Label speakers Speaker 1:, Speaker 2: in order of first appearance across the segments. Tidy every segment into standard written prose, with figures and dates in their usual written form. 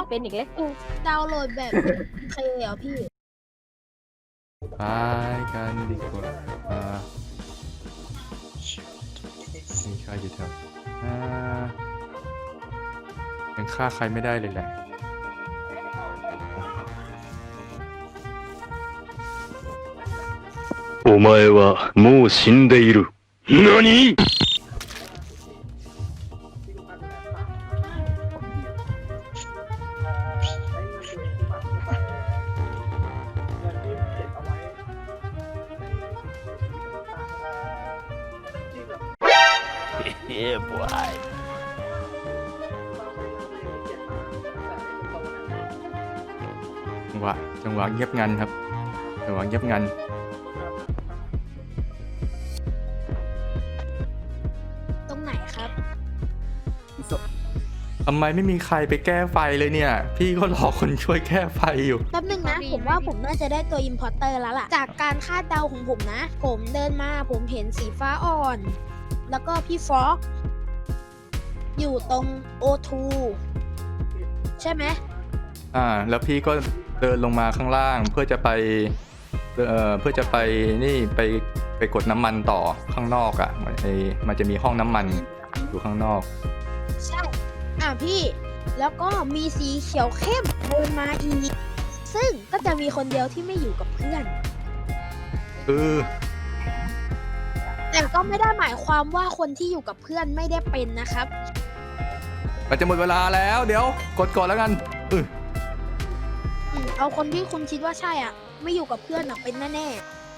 Speaker 1: เป็นอีกแล้ว
Speaker 2: ดาวน์โหลดแบบเคเหรอพี่
Speaker 3: ไปกันดีกว่ามีใครอยู่แถวยังฆ่าใครไม่ได้เลยแหละ
Speaker 4: お前はもう死んでいる。何?
Speaker 3: จังหวะเงียบงันครับจังหวะเงียบงัน
Speaker 2: ตรงไหนครับ
Speaker 3: ทำไมไม่มีใครไปแก้ไฟเลยเนี่ยพี่ก็รอคนช่วยแก้ไฟอยู่
Speaker 2: แป๊บนึงนะ ผมว่าผมน่าจะได้ตัวอิมพอร์เตอร์แล้วล่ะ จากการคาดเดาของผมนะ ผมเดินมาผมเห็นสีฟ้าอ่อน แล้วก็พี่ฟ็อกอยู่ตรง O2 ใช่ไหม
Speaker 3: แล้วพี่ก็เดินลงมาข้างล่างเพื่อจะไปนี่ไปกดน้ำมันต่อข้างนอกมันจะมีห้องน้ำมันอยู่ข้างนอก
Speaker 2: ใช่พี่แล้วก็มีสีเขียวเข้มเดินมาอีกซึ่งก็จะมีคนเดียวที่ไม่อยู่กับเพื่อนแต่ก็ไม่ได้หมายความว่าคนที่อยู่กับเพื่อนไม่ได้เป็นนะครับ
Speaker 3: มันจะหมดเวลาแล้วเดี๋ยวกดก่อนแล้วกัน
Speaker 2: เอาคนที่คุณคิดว่าใช่ไม่อยู่กับเพื่อนเป็นแน่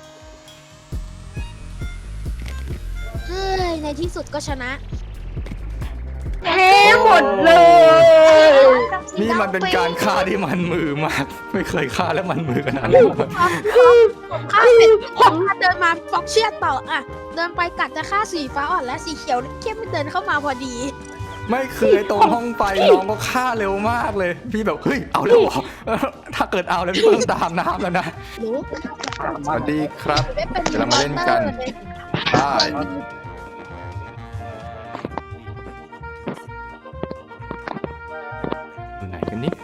Speaker 2: ๆเฮ้ยในที่สุดก็ชนะ
Speaker 1: แพ้หมดเลย
Speaker 3: นี่มันเป็นการฆ่าที่มันมือมากไม่เคยฆ่าแล้วมันมือขนาดนี้
Speaker 2: ผมฆ่าเสร็จผมเดินมาฟ็อกเชียดต่อเดินไปกัดจะฆ่าสีฟ้าอ่อนและสีเขียวเข้มเดินเข้ามาพอดี
Speaker 3: ไม่เคยตรงห้องไฟน้องก็ฆ่าเร็วมากเลยพี่แบบเฮ้ยเอาแล้วเหรอถ้าเกิดเอาแล้วพี่ต้องตามน้ำแล้วนะสวัสดีครับเดี๋ยวเรามาเล่นกันได้อยู่ไหนกันนี่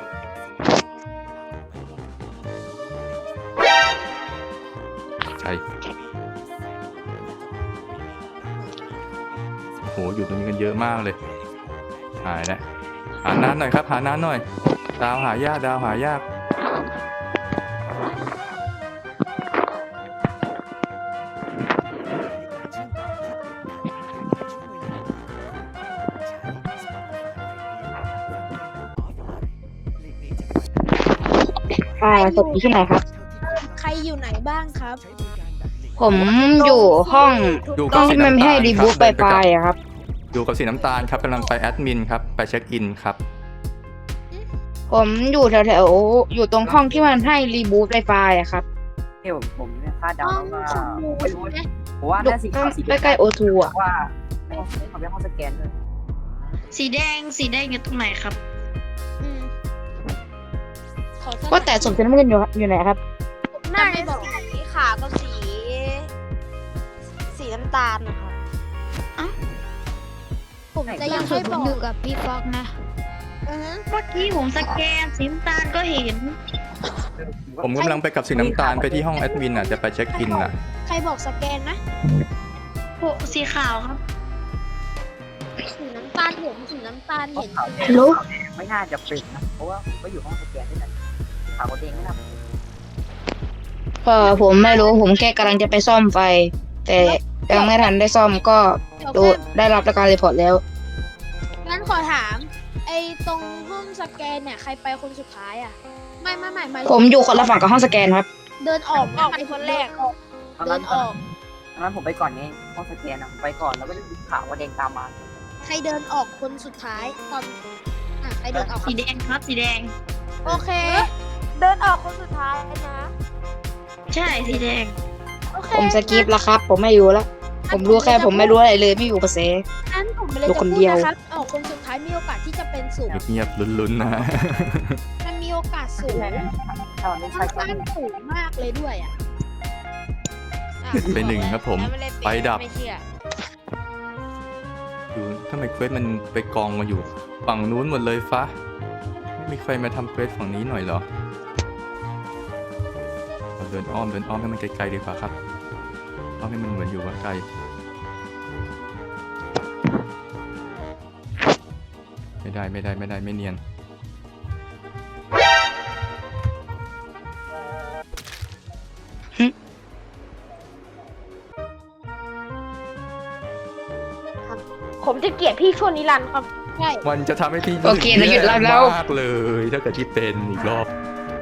Speaker 3: ใช่โอ้โหอยู่ตรงนี้กันเยอะมากเลยหายแล้วหาน้ำหน่อยครับหาน้ำหน่อยดาวหายากดาวหายาก
Speaker 1: ศพอยู่ที่ไหนครับ
Speaker 2: ใครอยู่ไหนบ้างครับ
Speaker 1: ผมอยู่ห้องที่มันให้รีบูทไฟครับ
Speaker 3: อยู่กับสีน้ำตาลครับกำลังไปแอดมินครับไปเช็คอินครับ
Speaker 1: ผมอยู่แถวอยู่ตรงห้องที่มันให้รีบูทไฟครับ
Speaker 5: ที่ผมเนี่ยคาดเดาว่าไม่รู้ผมว่าน่าสีขาวสี
Speaker 1: ใกล้ๆโอทู
Speaker 5: ว่าเขาเป็นห้องสแกนเลย
Speaker 6: สีแดงอยู่ตรงไหนครับ
Speaker 1: ก็แต่ศพสีน้ำเงินอยู่ไหนครับ
Speaker 2: น่าจะสีขาวกับสีน้ำตาลนะครับผมจะยังไม่บอก
Speaker 6: อยู่กับพี่ฟ็อกนะเมื่อกี้ผมสแกนสีน้ำตาลก็เห็น
Speaker 3: ผมกำลังไปกับสีน้ำตาลไปที่ห้องแอดมินจะไปเช็คอิน
Speaker 2: ใครบอกสแกนนะ
Speaker 6: สีขาวครับ
Speaker 2: สีน้ำตาลเห็น
Speaker 5: รู้ไม่น่าจะเป็นนะเพราะว่าผมก็อยู่ห้องสแกนด้วยกันขาวเด้งไม่ทำ
Speaker 1: ผมไม่รู้ผมแค่กำลังจะไปซ่อมไฟแต่ยังไม่ทันได้ซ่อมก็ได้รับการรีพอร์ตแล้ว
Speaker 2: งั้นขอถามไอ้ตรงห้องสแกนเนี่ยใครไปคนสุดท้ายไม่
Speaker 1: ผมอยู่คนละฝั่งกับห้องสแกนครับ
Speaker 2: เดินออกไปคนแรกเดินออก
Speaker 5: งั้นผมไปก่อนไงห้องสแกนผมไปก่อนแล้วก็ดูขาวว่าแดงตามมา
Speaker 2: ใครเดินออกคนสุดท้ายตอนใครเดินออก
Speaker 6: สีแดงครับสีแดง
Speaker 2: โอเคเดินออกคนสุดท้ายนะ
Speaker 6: ใช่สีแดง
Speaker 1: ผมสกิปแล้วครับผมไม่อยู่แล้วผมรู้แค่ผมไม่รู้อะไรเลยไม่อยู่กับเซ
Speaker 2: งั้นผมเลยจะพูดนะครับออกคนสุดท้ายมีโอกาสที่จะเป็นสูง
Speaker 3: เงียบๆลุ้นๆนะ
Speaker 2: มันมีโอกาสสูงตั้งสูงมากเลยด้วย
Speaker 3: ไปหนึ่งครับผมไปดับทำไมเควสมันไปกองมาอยู่ฝั่งนู้นหมดเลยฟ้ามีใครมาทำเควสฝั่งนี้หน่อยเหรอเราเดินอ้อมให้มันไกลๆดีกว่าครับอ้อมให้มันเหมือนอยู่ว่าไกลไม่ได้ไม่เนียน
Speaker 7: ผมจะเกลียดพี่ช่วงนิรันดร์ครับ
Speaker 2: ใช่
Speaker 3: มันจะทำให้พี่
Speaker 1: โอเคเราหยุดไลฟ์แล้ว
Speaker 3: มากเลยถ้าเกิดที่เป็นอีกรอบ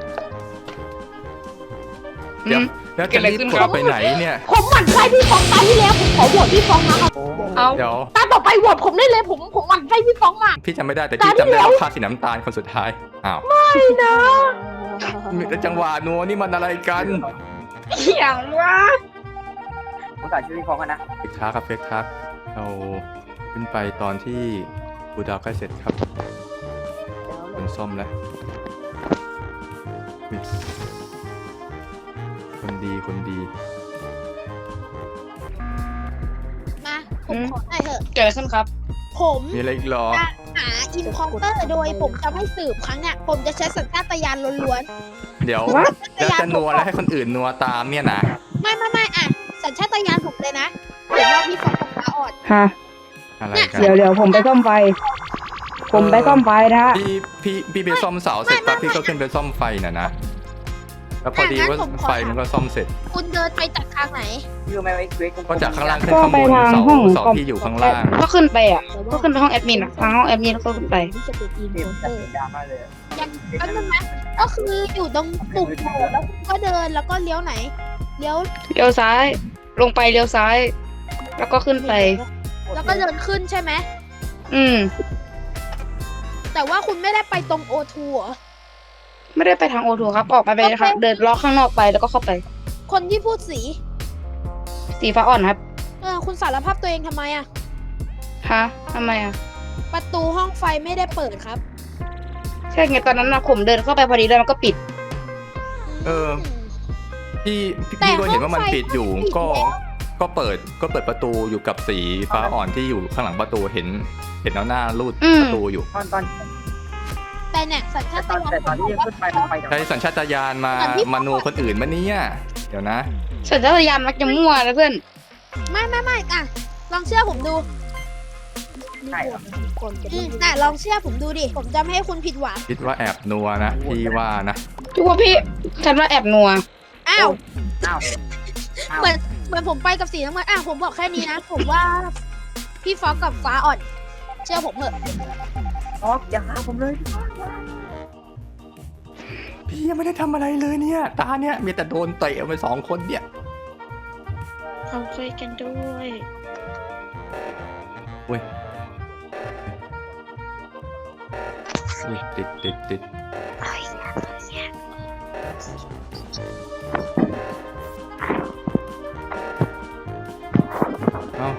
Speaker 3: เดี๋ยวแล้วจะรีบกดไปไหนเนี่ย
Speaker 7: ผมหมั่นไส้พี่ฟองตาที่แล้วผมขอโหวตพี่ฟองนะครับ
Speaker 1: เอา
Speaker 3: เดี๋ยว
Speaker 7: ตาต่อไปโหวตผมได้เลยผมหมั่นไส้พี่ฟองมาก
Speaker 3: พี่จำไม่ได้แต่พี่จำได้ว่าค่าสีน้ำตาลคนสุดท้ายอ้าว
Speaker 7: ไม่นะ
Speaker 3: จังหวะนัวนี่มันอะไรกัน
Speaker 1: อย่างว่า
Speaker 5: ผมตัดชื่อพี่ฟองกันนะ
Speaker 3: เฟกทักครับเฟกทักเราขึ้นไปตอนที่บูดาวใกล้เสร็จครับเป็นซ่อมแล้วอุ๊ยคนดี
Speaker 2: มาผมขอหน่อยเถอะ
Speaker 1: เกิดอะไรขึ้นครับ
Speaker 2: ผม
Speaker 3: มีอะไรอีกเหรอ
Speaker 2: จะหาอินพอร์เตอร์โดยผมจะไม่สืบครั้งเนี่ยผมจะใช้สัญชาตญาณล้วน
Speaker 3: เดี๋ยว
Speaker 1: What?
Speaker 3: แล้วจะนัวแล้วให้คนอื่นนัวตามเนี่ยนะ
Speaker 2: ๆไม่อ่ะสัญชาตญาณผมเลยนะผมว่าพี่ฟองกับฟ้าอ่อน
Speaker 1: ฮะ
Speaker 3: อะไรกัน
Speaker 1: เดี๋ยวผมไปซ่อมไฟ ผมไปซ่อมไฟนะฮะ
Speaker 3: พี่ไปซ่อมเสาเสร็จปั๊บพี่ก็ขึ้นไปซ่อมไฟน่ะนะแล้วพอดีว่าไฟมันก็ซ่อมเสร็จ
Speaker 2: คุณเดินไปจากทางไหน
Speaker 5: ชื่อไม่ไว้เควส
Speaker 3: ก็จากข้างล่างขึ้นข้างบนเสาที่อยู่ข้างล่าง
Speaker 1: ก็ขึ้นไปอ่ะ ก็ขึ้นไปห้องแอดมินอ่ะทางห้องแอดมินก็ขึ้นไป
Speaker 2: ที่จะเป็นอิน
Speaker 5: เต็ม
Speaker 2: พอร์เตอร์
Speaker 5: ดราม่าเลย
Speaker 2: ยังก็นึงนะก็คืออยู่ตรงปุ่มโหวตแล้วคุณก็เดินแล้วก็เลี้ยวไหนเลี้ยว
Speaker 1: เลี้ยวซ้าย ลงไปเลี้ยวซ้าย แล้วก็ขึ้นไป
Speaker 2: แล้วก็เดินขึ้นใช่ไหม
Speaker 1: อืม
Speaker 2: แต่ว่าคุณไม่ได้ไปตรงโอทูเหรอ
Speaker 1: ไม่ได้ไปทางโอทูครับ ออกไปนะคะเดินล้อข้างนอกไปแล้วก็เข้าไป
Speaker 2: คนที่พูดสี
Speaker 1: สีฟ้าอ่อนครับ
Speaker 2: คุณสารภาพตัวเองทำไมอะ
Speaker 1: ฮะทำไมอ่ะ
Speaker 2: ประตูห้องไฟไม่ได้เปิดครับ
Speaker 1: ใช่ไงตอนนั้นนะผมเดินเข้าไปพอดีแล้วมันก็ปิด
Speaker 3: เออ
Speaker 2: ม
Speaker 3: พี่
Speaker 2: แต่
Speaker 3: ก็เห็นว่ามัน
Speaker 2: ห้องไฟ
Speaker 3: ปิดอยู่
Speaker 2: มันปิด
Speaker 3: ก็
Speaker 2: แล้ว
Speaker 3: ก็เปิดประตูอยู่กับสีฟ้าอ่อนที่อยู่ข้างหลังประตูเห็นเอาหน้ารูด
Speaker 1: อืม
Speaker 3: ประตูอยู่
Speaker 5: ตอน
Speaker 2: แต่เนี่ยสัญชาตญาณ
Speaker 5: แต่ตอนที่ยังขึ้นไปมันไป
Speaker 3: ใช้สัญชาตญาณมานัวคนอื่นมาเนี่ยเดี๋ยวนะ
Speaker 1: สัญชาตญาณมักจะมั่วนะเพื่อน
Speaker 2: ไม่อ่ะลองเชื่อผมดู
Speaker 5: ใช่เหรอ
Speaker 2: น่ะลองเชื่อผมดูดิผมจะไม่ให้คุณผิดหวัง
Speaker 3: คิดว่าแอบนัวนะพี่ว่านะ
Speaker 1: ทุกว่าพี่ฉันว่าแอบนัว
Speaker 2: อ้าว
Speaker 5: อ้าว
Speaker 2: เหมือนผมไปกับสีน้ำเงินผมบอกแค่นี้นะ ผมว่าพี่ฟอกกับฟ้าอ่อน เชื่อผมเถอะ
Speaker 5: อ๋ออย่าหาผมเลย
Speaker 3: พี่ยังไม่ได้ทำอะไรเลยเนี่ยตาเนี่ยมีแต่โดนเตะไป2 คนเนี่ย
Speaker 1: เขาคุยกันด้วย
Speaker 3: อุ้ยติดเอ้า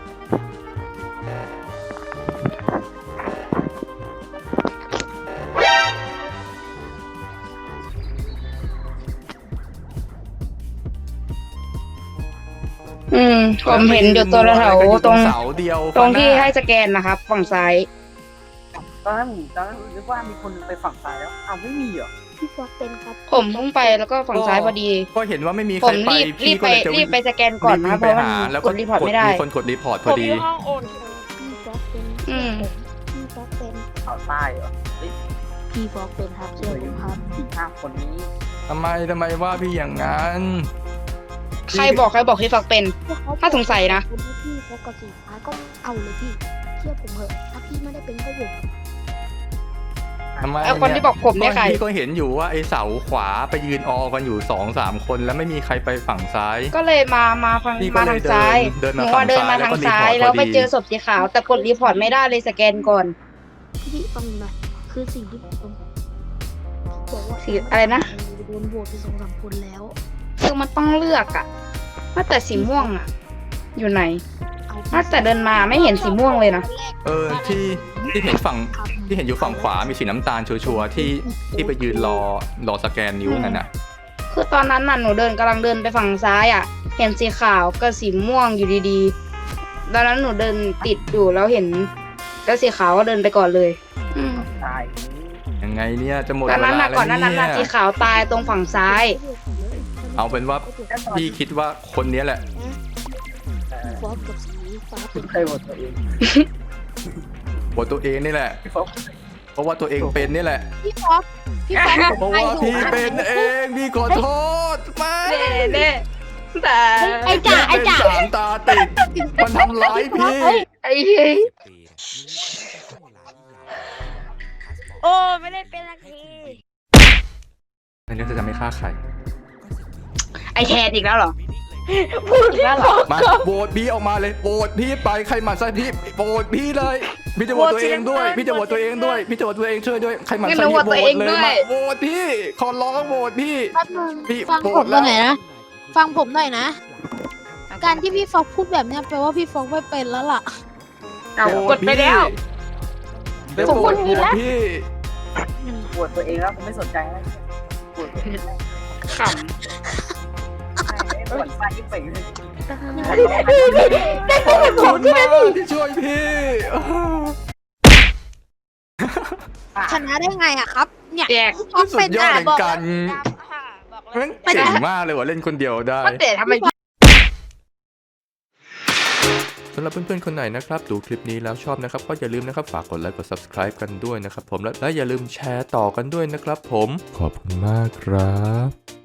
Speaker 1: ผมเห็นอยู่ตัวแถวตรง
Speaker 3: เสาเดียว
Speaker 1: ตรงที่ให้สแกนนะครับ ฝั่งซ้าย
Speaker 5: ตอนนั้นนึกว่ามีคนไปฝั่งซ้ายแล้วอ้าวไม่มีเหรอ
Speaker 2: พี่ฟอกเป็นครับ
Speaker 1: ผมเพิ่งไปแล้วก็ฝั่งซ้ายพอดี
Speaker 3: ก็เห็นว่าไม่มีใค
Speaker 1: ผ
Speaker 3: ร
Speaker 1: ม
Speaker 3: ไป
Speaker 1: รีบ
Speaker 3: พี่ก็เลยจะ
Speaker 1: ไปสแกนก่อนนะครับเพ
Speaker 3: ไป
Speaker 1: ราะว่า
Speaker 3: หา
Speaker 1: มัน
Speaker 3: แล้ว
Speaker 1: ก
Speaker 3: ก็
Speaker 1: ดรีพอร์ตไม่ได้
Speaker 3: มีคนกดรีพอร์ตพอดี
Speaker 7: ห้องโอน
Speaker 2: พี่ฟอกเป็น
Speaker 1: อืม
Speaker 2: พี่ฟอกเป็น
Speaker 5: ข่าวใต้เหรอ
Speaker 2: พี่ฟอกเป็นครับเชื่อผมครับ
Speaker 5: 5 คนนี้
Speaker 3: ทำไมว่าพี่อย่างนั้น
Speaker 1: ใครบอกพี่ฝักเป็น ถ้าสงสัยนะ
Speaker 2: พี่ฟอกกับสีฟ้าก็เอาเลยพี่เชื่อผมเถอะถ้าพี่ไม่ได้เป็นก็โหวต
Speaker 3: ทำไม
Speaker 1: ไอ้คนที่บอกผมเนี่ยใคร
Speaker 3: พี่ก็เห็นอยู่ว่าไอ้เสาขวาไปยืนออกันอยู่ 2-3 คนแล้วไม่มีใครไปฝั่งซ้าย
Speaker 1: ก็เลยมาฝั่ง
Speaker 3: พี่ก็
Speaker 1: มา
Speaker 3: เล
Speaker 1: ทาย งซ้าย
Speaker 3: เดิน
Speaker 1: ห
Speaker 3: มา
Speaker 1: นู
Speaker 3: ฝั่
Speaker 1: ว่าง เดินมาทางซ้าย
Speaker 3: แล้วก็รีพอร์ต
Speaker 1: แล้วไป
Speaker 3: พอดี
Speaker 1: เจอศพสีขาว แต่กดรีพอร์ตไม่ได้เลยสแกนก่อน
Speaker 2: พี่ฟังหน่อยคือสิ่งที่ผมบอกว่า
Speaker 1: สีอะไรนะ
Speaker 2: โดนโหวตไป2-3 คนแล้ว
Speaker 1: คือมันต้องเลือกอะว่าแต่สีม่วงอะอยู่ไหน น่าจะเดินมาไม่เห็นสีม่วงเลยนะ
Speaker 3: ที่เห็นอยู่ฝั่งขวามีสีน้ำตาลชัวร์ๆที่ไปยืนรอสแกนนิ้วนั่นน่ะ
Speaker 1: คือตอนนั้นน่ะหนูกำลังเดินไปฝั่งซ้ายอะเห็นสีขาวกับสีม่วงอยู่ดีๆตอนนั้นหนูเดินติดอยู่แล้วเห็นแล้วสีขาวก็เดินไปก่อนเลย
Speaker 5: ตาย
Speaker 3: ยังไงไงเนี่ยจะหมด
Speaker 1: ตอน
Speaker 3: เว
Speaker 1: นั้น
Speaker 3: ลา
Speaker 1: น่ะ
Speaker 3: แล้ว
Speaker 1: ก่อนหนานั้น
Speaker 3: เนี่
Speaker 1: น่ะสี
Speaker 3: ย
Speaker 1: ขาวตายตรงฝั่งซ้าย
Speaker 3: เอาเป็นว่าพี่คิดว่าคนนี้แหละ
Speaker 2: ฟอกกับสีฟ้า
Speaker 5: คุณเคยโหวตตัวเอง
Speaker 3: โหวตตัวเองนี่แหละ
Speaker 5: พี่ฟอก
Speaker 3: เพราะว่าตัวเองเป็นนี่แหละ
Speaker 2: พี่ฟอก
Speaker 3: เพราะว่าพี่เป็นเองพี่ขอโทษมา
Speaker 1: เน่แต่
Speaker 7: ไอ้จ่าไอ้จ่า
Speaker 3: สามตาติดมันทำร้ายพี่
Speaker 1: ไอ้เฮ้ย
Speaker 7: โอ้ไม่ได้เป็นละที
Speaker 3: อันนี้จะไม่ฆ่าใคร
Speaker 1: ไอแทนอีกแล้วเหรอ
Speaker 7: พูดแล้วเหรอ
Speaker 3: มาโหวตพี่ออกมาเลยโหวตพี่ไปใครหมั่นไส้พี่โหวตพี่เลยพี่จะโหวตตัวเองด้วยพี่จะโหวตตัวเองด้วยพี่จะโหวตตัวเองช่วยด้วยใครหมั่นไส้พี่โหวตเลยมาโหวตพี่ขอร้องโหวตพี่
Speaker 2: แป๊บนึง
Speaker 3: พี่
Speaker 2: ฟัง
Speaker 3: โกร
Speaker 2: ผ
Speaker 3: ธ
Speaker 2: มห
Speaker 3: แล้ว
Speaker 2: น่อยนะ ฟังผมหน่อยนะ การที่พี่ฟอกพูดแบบเนี้ยแปลว่าพี่ฟอกไม่เป็นแล้วล่ะ
Speaker 1: เอากดไปแล้ว
Speaker 3: ผมโหวตพี่
Speaker 5: โหวตตัวเองแล้วผมไม่สนใจแล้วโหวตตัวเอง
Speaker 1: ข
Speaker 5: โหวตไปยิ่งไปเลย
Speaker 3: ขอบคุณมากที่ช่วยพี่
Speaker 2: ชนะได้ไงอะครับ เนี่ย
Speaker 1: ำแจก
Speaker 2: ฟอก
Speaker 3: สุ
Speaker 2: เป็
Speaker 3: ด
Speaker 2: น
Speaker 3: ยอด
Speaker 2: อะ
Speaker 3: แห่ง
Speaker 2: บอก
Speaker 3: การแม่งเก่งมากเลยว่ะเล่นคนเดียวได้
Speaker 1: แต่ทำไม
Speaker 3: สำหรับเพื่อนๆคนไหนนะครับดูคลิปนี้แล้วชอบนะครับก็อย่าลืมนะครับฝากกดไลค์กด subscribe กันด้วยนะครับผมและอย่าลืมแชร์ต่อกันด้วยนะครับผมขอบคุณมากครับ